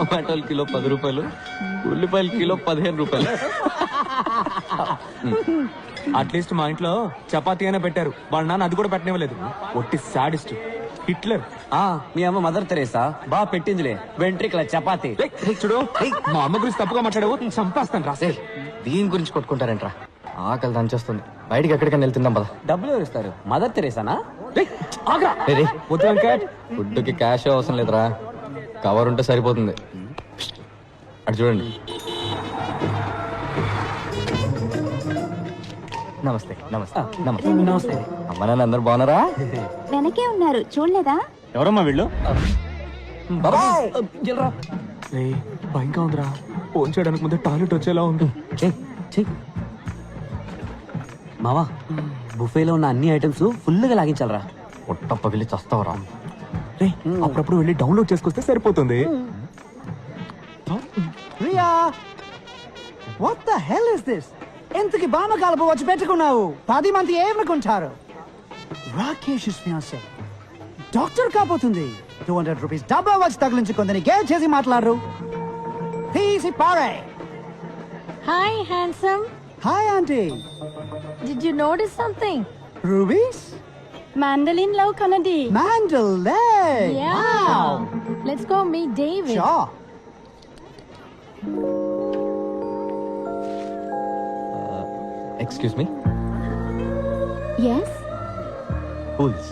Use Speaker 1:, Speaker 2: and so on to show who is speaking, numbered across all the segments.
Speaker 1: టమాటోలు కిలో 10 రూపాయలు, ఉల్లిపాయలు కిలో 15 రూపాయలు. అట్లీస్ట్ మా ఇంట్లో చపాతీ అయినా పెట్టారు, వాళ్ళ నాన్న అది కూడా పెట్టనివ్వలేదు. ఒట్టి సాడిస్ట్ హిట్లర్.
Speaker 2: మీ అమ్మ మదర్ తెరేసా బాగా పెట్టిందిలే వెంట్రికల చపాతీ.
Speaker 1: చూడు, మా అమ్మ గురించి తప్పుగా మాట్లాడావు, చంపేస్తాను రాసే.
Speaker 3: దీని గురించి కొట్టుకుంటారంట్రా, ఆకలి దంచేస్తుంది. బయటికి ఎక్కడికైనా వెళ్తుందాం పద.
Speaker 2: డబ్బులు ఎవరు ఇస్తారు? మదర్ తెరేసానా?
Speaker 3: ఫుడ్ కి క్యాష్ అవసరం లేదురా, కవర్ ఉంటే సరిపోతుంది. అటు చూడండి. నమస్తే నమస్తే నమస్తే నమస్తే. అమ్మ నాన్న అందరు బాగున్నారా?
Speaker 4: వెనకే ఉన్నారు, చూడలేదా?
Speaker 1: ఎవరమ్మా వీళ్ళు? భయంగా ఉందిరా, ఫోన్ చేయడానికి ముందే టాయిలెట్ వచ్చేలా ఉంది.
Speaker 2: మావా, బుఫేలో ఉన్న అన్ని ఐటమ్స్ ఫుల్ గా లాగించాలరా.
Speaker 3: పొట్ట పగిలి చస్తావరా.
Speaker 1: అప్పుడప్పుడు వెళ్ళి డౌన్లోడ్ చేసుకొస్తే సరిపోతుంది.
Speaker 5: Riya, what the hell is this? ఎంతకి బామ కలుపు వచ్చి పెట్టుకున్నావు? 10 మంది ఏమనుకుంటారు? రాకేష్ ఫియాన్సీ డాక్టర్ కాబోతుంది. 200 రూపీస్ డబ్బా వచ్చి తగిలించుకుందని గేల్ చేసి మాట్లాడరు. తీసి పారే.
Speaker 4: Hi, handsome.
Speaker 5: Hi aunty.
Speaker 4: Did you notice something?
Speaker 5: రూబీస్
Speaker 4: Mandolin love Kanadi.
Speaker 5: Mandel.
Speaker 4: Yeah.
Speaker 5: Wow.
Speaker 4: Let's go meet David.
Speaker 5: Sure.
Speaker 3: Excuse me.
Speaker 4: Yes.
Speaker 3: కూల్స్.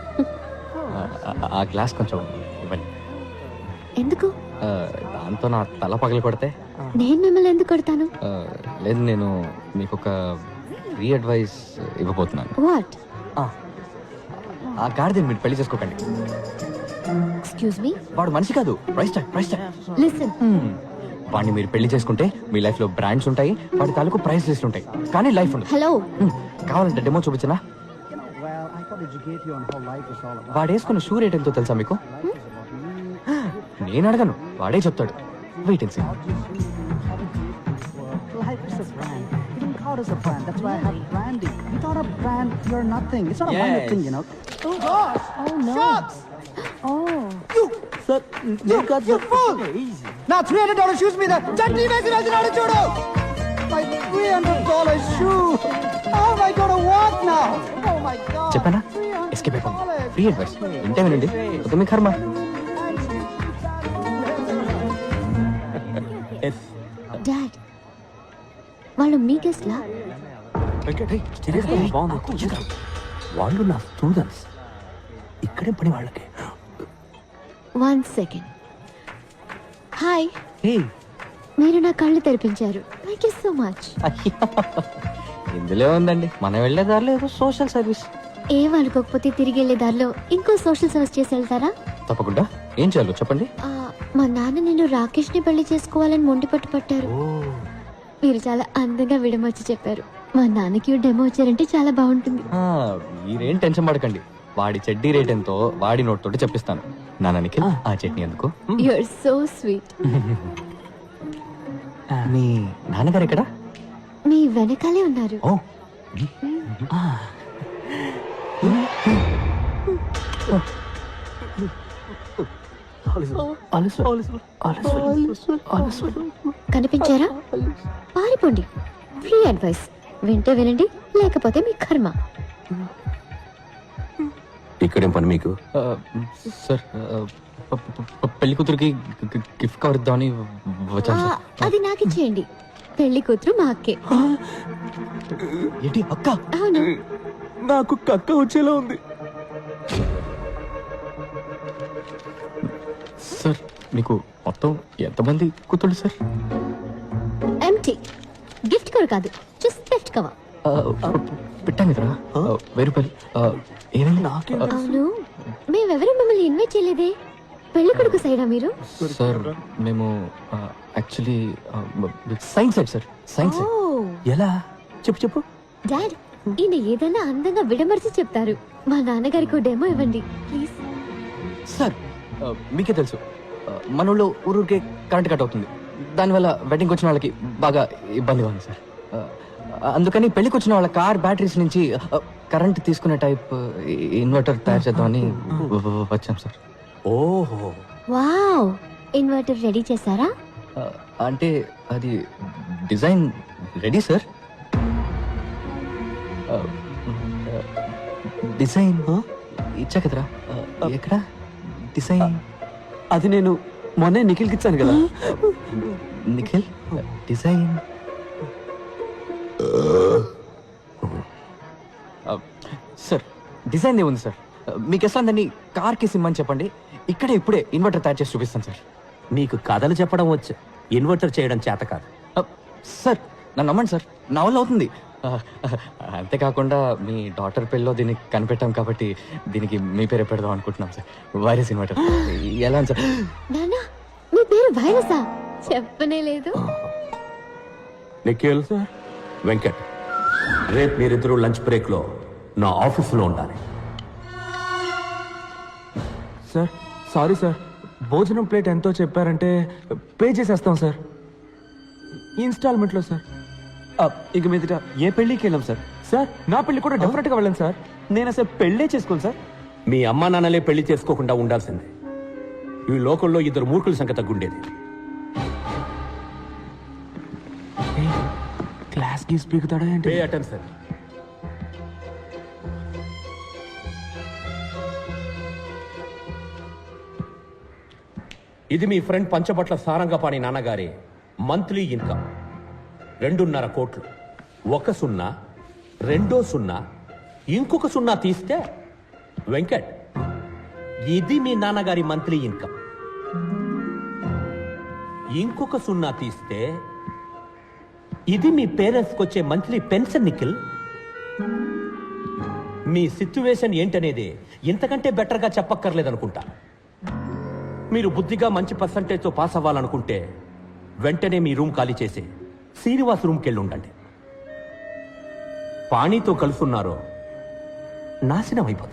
Speaker 3: ఆ గ్లాస్ కొంచెం ఇవ్వండి.
Speaker 4: ఎందుకు?
Speaker 3: దాంతో నా తల పగలు కొడితే.
Speaker 4: నేను మిమ్మల్ని ఎందుకు కొడతాను?
Speaker 3: లేదు, నేను మీకు ఒక ఫ్రీ అడ్వైస్ ఇవ్వబోతున్నాను.
Speaker 4: What?
Speaker 3: ఆ గాడిదని మీరు పెళ్లి చేసుకోకండి.
Speaker 4: Excuse me.
Speaker 3: వాడు మనిషి కాదు, ప్రైస్ ట్యాగ్.
Speaker 4: Listen.
Speaker 3: వాడిని మీరు పెళ్లి చేసుకుంటే మీ లైఫ్ లో బ్రాండ్స్ ఉంటాయి, వాడి తాలూకు ప్రైస్ లిస్ట్ ఉంటాయి, కానీ లైఫ్ ఉండదు.
Speaker 4: Hello.
Speaker 3: కావాలంటే డెమో చూపించనా?
Speaker 5: Well, I thought educate you on how life is all about.
Speaker 3: వాడు వేసుకున్న షూ రేట్ ఎంతో తెలుసా మీకు? నేను అడగను, వాడే చెప్తాడు. Wait and see.
Speaker 5: Life is a brand. You didn't call us a brand. That's why I have branding. Without a brand, you're nothing. It's not a minor thing, you know. Oh gosh!
Speaker 4: Oh no.
Speaker 5: Shots!
Speaker 4: Oh.
Speaker 5: You! Sir, you fool! Now $300 shoes me the chutney message veldunadu chudu. My $300 shoe. How am I going to walk now? Oh my god.
Speaker 3: చెప్పానా? Escape అయిపోయింది. Free advice ఇంటే వినండి, ఒక మీ కర్మ.
Speaker 4: Dad. వాళ్ళు మీ guest లా?
Speaker 1: వాళ్ళు నా students, ఇక్కడే పని వాళ్ళకి.
Speaker 4: 1 second. హాయ్. మీరు నా కళ్ళు తెరిపించారు. Thank you so much.
Speaker 3: ఇందులో ఉందండి, మనం వెళ్ళే దారిలో ఏదో సోషల్ సర్వీస్.
Speaker 4: ఏం అనుకోకపోతే తిరిగి వెళ్ళే దారిలో ఇంకో సోషల్ సర్వీస్ చేసి వెళ్తారా?
Speaker 3: తప్పకుండా. ఏం చేయాలో చెప్పండి.
Speaker 4: మా నాన్న నేను రాకేష్ ని పెళ్లి చేసుకోవాలని మొండి పట్టారు. మీరు చాలా అందంగా విడమొచ్చి చెప్పారు. మా నాన్నకి డెమో వచ్చారంటే చాలా బాగుంటుంది.
Speaker 3: మీరేం టెన్షన్ పడకండి, వాడి చెడ్డీ రేట్ ఎంతో వాడి నోట్ తోటి చెప్పిస్తాను. నాన్నకి ఆ చట్నీ ఎందుకు?
Speaker 4: You are so sweet.
Speaker 3: మీ నాన్నగారు ఎక్కడ?
Speaker 4: మీ వెనకాలే ఉన్నారు.
Speaker 3: ఓ
Speaker 4: కనిపించారా? పారిపోండి. ఫ్రీ అడ్వైస్ వింటే వినండి, లేకపోతే మీ కర్మ.
Speaker 1: ఇక్కడేం పని మీకు?
Speaker 3: సార్, పెళ్లి కూతురికి గిఫ్ట్ కవర్ ఇద్దామని వచ్చాను సార్.
Speaker 4: అది నాకు ఇచ్చేయండి. పెళ్లి కూతురు మా అక్కే.
Speaker 3: ఏంటి అక్క?
Speaker 4: అవును.
Speaker 1: నాకు కక్క వచ్చేలా ఉంది.
Speaker 3: సార్, మీకు మొత్తం ఎంతమంది కూతుళ్ళు సార్?
Speaker 4: ఎంటీ. గిఫ్ట్ కవర్ కాదు, జస్ట్ గిఫ్ట్ కవర్.
Speaker 3: పెట్టాను కదరా, 1000 రూపాయలు. ఏమైంది?
Speaker 4: అవును, మేమెవరూ మిమ్మల్ని ఇన్వైట్ చేయలేదే. పెళ్లి కొడుకు సైడా మీరు?
Speaker 3: సార్, మేము actually science side sir. Science.
Speaker 1: ఎలా? చెప్పు.
Speaker 4: డాడ్, ఈయన ఏదైనా అందంగా విడమర్చి చెప్తారు. మా నాన్నగారికి డెమో ఇవ్వండి ప్లీజ్.
Speaker 3: సార్, మీకే తెలుసు మన ఊళ్ళో ఊరికే కరెంట్ కట్ అవుతుంది. దానివల్ల వెడ్డింగ్కి వచ్చిన వాళ్ళకి బాగా ఇబ్బందిగా ఉంది సార్. అందుకని పెళ్లికి వచ్చిన వాళ్ళ కార్ బ్యాటరీస్ నుంచి కరెంట్ తీసుకునే టైప్ ఇన్వర్టర్ తయారు చేద్దామని వచ్చాం సార్.
Speaker 1: ఓహో,
Speaker 4: వావ్, ఇన్వర్టర్ రెడీ చేశారా?
Speaker 3: అంటే అది డిజైన్ రెడీ సార్. డిజైన్ ఇచ్చా కదరా. ఎక్కడ డిజైన్?
Speaker 2: అది నేను మొన్నే నిఖిల్కి ఇచ్చాను కదా.
Speaker 3: Nikhil design sir. డిజైన్ ఏముంది సార్? మీకు ఎట్లా దాన్ని కార్కి సిమ్మని చెప్పండి, ఇక్కడే ఇప్పుడే ఇన్వర్టర్ తయారు చేసి చూపిస్తాను సార్.
Speaker 2: నీకు కథలు చెప్పడం వచ్చు, ఇన్వర్టర్ చేయడం చేత కాదు.
Speaker 3: సార్ నన్ను నమ్మండి సార్, నా వల్ల అవుతుంది. అంతేకాకుండా మీ డాటర్ పెళ్ళిలో దీన్ని కనిపెట్టాం కాబట్టి దీనికి మీ పేరే పెడదాం అనుకుంటున్నాం సార్. వైరస్ ఇన్వర్టర్ ఎలా సార్?
Speaker 4: నానా మీ పేరు వైరసా? చెప్పనే లేదు.
Speaker 6: నిఖిల్ వెంకట్, రేపు మీరిద్దరూ లంచ్ బ్రేక్ లో నా ఆఫీసులో ఉండాలి.
Speaker 1: సార్ సారీ సార్, భోజనం ప్లేట్ ఎంతో చెప్పారంటే పే చేసేస్తాం సార్, ఇన్స్టాల్మెంట్లో సార్.
Speaker 2: ఇక మీదట ఏ పెళ్ళికి వెళ్ళాం సార్.
Speaker 1: సార్ నా పెళ్లి కూడా డెఫినెట్గా వెళ్ళండి సార్.
Speaker 2: నేను అసలు పెళ్ళే చేసుకోను సార్.
Speaker 6: మీ అమ్మా నాన్నలే పెళ్లి చేసుకోకుండా ఉండాల్సిందే. ఈ లోకంలో ఇద్దరు మూర్ఖుల సంఖ్య తగ్గుండేది.
Speaker 1: క్లాస్ గీస్ పీకుతాడా ఏంటి?
Speaker 6: Pay attention. ఇది మీ ఫ్రెండ్ పంచబట్ల సారంగపాణి నాన్నగారి మంత్లీ ఇన్కమ్ 2.5 కోట్లు. 1 సున్నా, 2 సున్నా, ఇంకొక సున్నా తీస్తే వెంకట్, ఇది మీ నాన్నగారి మంత్లీ ఇన్కమ్. ఇంకొక సున్నా తీస్తే ఇది మీ పేరెంట్స్కి వచ్చే మంత్లీ పెన్షన్. నిఖిల్, మీ సిచ్యువేషన్ ఏంటనేది ఇంతకంటే బెటర్గా చెప్పక్కర్లేదనుకుంటా. మీరు బుద్ధిగా మంచి పర్సంటేజ్తో పాస్ అవ్వాలనుకుంటే వెంటనే మీ రూమ్ ఖాళీ చేసి శ్రీనివాస్ రూమ్కి వెళ్ళి ఉండండి. పాణితో కలుసున్నారో నాశనం అయిపోతా.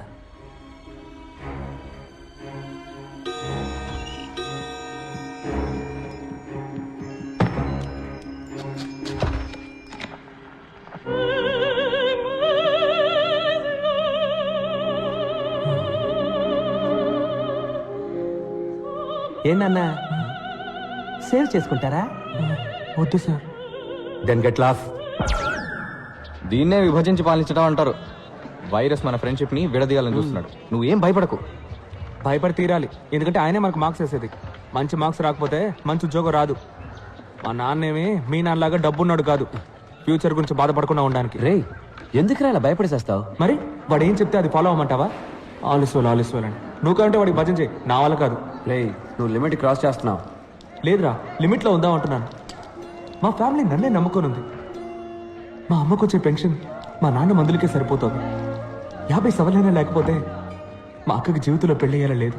Speaker 2: ఏంటన్నా సేవ్ చేసుకుంటారా?
Speaker 1: వద్దు సార్.
Speaker 6: Then get lost.
Speaker 3: దీన్నే విభజించి పాలించడం అంటారు. వైరస్ మన ఫ్రెండ్షిప్ ని విడదీయాలని చూస్తున్నాడు. నువ్వేం భయపడకు.
Speaker 1: భయపడి తీరాలి, ఎందుకంటే ఆయనే మనకు మార్క్స్ వేసేది. మంచి మార్క్స్ రాకపోతే మంచి ఉద్యోగం రాదు. మా నాన్నేమి మీ నాన్నలాగా డబ్బున్నాడు కాదు, ఫ్యూచర్ గురించి బాధపడకుండా ఉండడానికి.
Speaker 2: రే ఎందుకురా ఇలా భయపడేసేస్తావు?
Speaker 1: మరి వాడు ఏం చెప్తే అది ఫాలో అవ్వమంటావా? ఆలస్వాలు అని నువ్వు కంటే వాడికి భజన చేయి, నా వల్ల కాదు.
Speaker 2: రే నువ్వు లిమిట్ క్రాస్ చేస్తున్నావు.
Speaker 1: లేదురా, లిమిట్లో ఉందాం అంటున్నాను. మా ఫ్యామిలీ నన్నే నమ్ముకొని ఉంది. మా అమ్మకు వచ్చే పెన్షన్ మా నాన్న మందులకే సరిపోతుంది. 50 సవలైనా లేకపోతే మా అక్కకి జీవితంలో పెళ్ళయ్యేలా లేదు.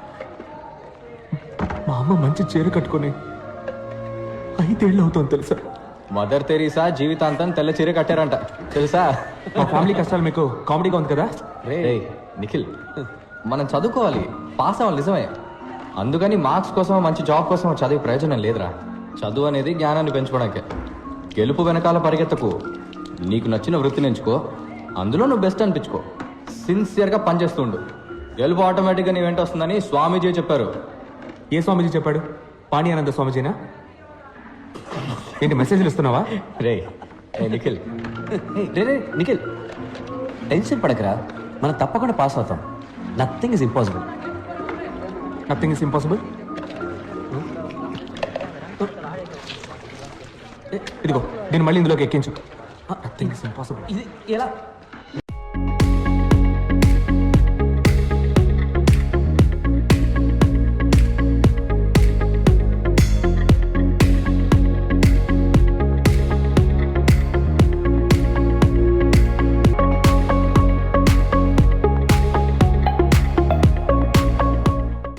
Speaker 1: మా అమ్మ మంచి చీర కట్టుకొని 5 ఏళ్ళు అవుతుంది తెలుసా?
Speaker 3: మదర్ తెరీసా జీవితాంతం తెల్ల చీర కట్టారంట తెలుసా?
Speaker 1: మా ఫ్యామిలీ కష్టాలు మీకు కామెడీగా ఉంది కదా?
Speaker 3: రేయ్ నిఖిల్, మనం చదువుకోవాలి, పాస్ అవ్వాలి నిజమే. అందుకని మార్క్స్ కోసం మంచి జాబ్ కోసం చదివే ప్రయోజనం లేదురా. చదువు అనేది జ్ఞానాన్ని పెంచుకోవడానికే. గెలుపు వెనకాల పరిగెత్తకు. నీకు నచ్చిన వృత్తిని ఎంచుకో, అందులో నువ్వు బెస్ట్ అనిపించుకో, సిన్సియర్గా పనిచేస్తుండు. గెలుపు ఆటోమేటిక్గా నీ వెంట వస్తుందని స్వామీజీ చెప్పారు.
Speaker 1: ఏ స్వామీజీ చెప్పాడు? పాణి ఆనంద స్వామీజీనా? ఏంటి మెసేజ్లు ఇస్తున్నావా?
Speaker 3: రే నిఖిల్,
Speaker 2: రే నిఖిల్ టెన్షన్ పడకరా, మనం తప్పకుండా పాస్ అవుతాం. Nothing is impossible.
Speaker 1: Nothing is impossible. ఇదిగో దీన్ని మళ్ళీ ఇందులోకి ఎక్కించు. Nothing is impossible.
Speaker 2: ఇది ఎలా